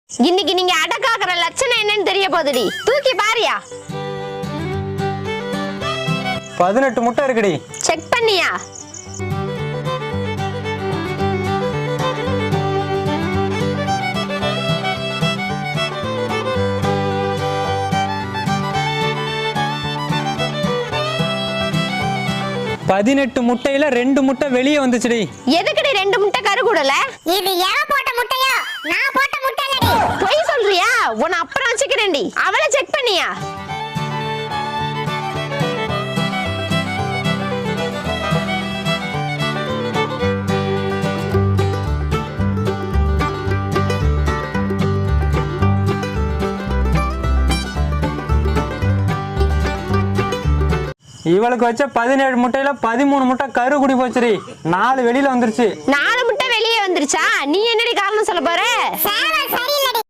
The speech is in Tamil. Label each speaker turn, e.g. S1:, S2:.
S1: இன்னைக்கு நீங்க அடக்காக்குற லட்சணம் என்னன்னு தெரிய போகுதுடி. தூக்கி பாரியா.
S2: 18 முட்டை இருக்குடி.
S1: செக் பண்ணியா?
S2: முட்டையில 2 முட்டை வெளியே வந்துச்சுடி.
S1: எதுக்குடி 2 முட்டை கரு கூடல?
S3: இது எவன் போட்ட முட்டையோ? நான் போட்ட முட்டை இல்லடி.
S1: பொய் சொல்றியா? உன்னை அப்புறம் வச்சுக்கிறேன்டி. அவளை செக் பண்ணியா?
S2: இவளுக்கு வச்ச 17 முட்டையில 13 முட்டை கரு குடி போச்சுடி. 4 வெளியில வந்துருச்சு.
S1: 4 முட்டை வெளியே வந்துருச்சா? நீ என்னடி காரணம் சொல்ல போற?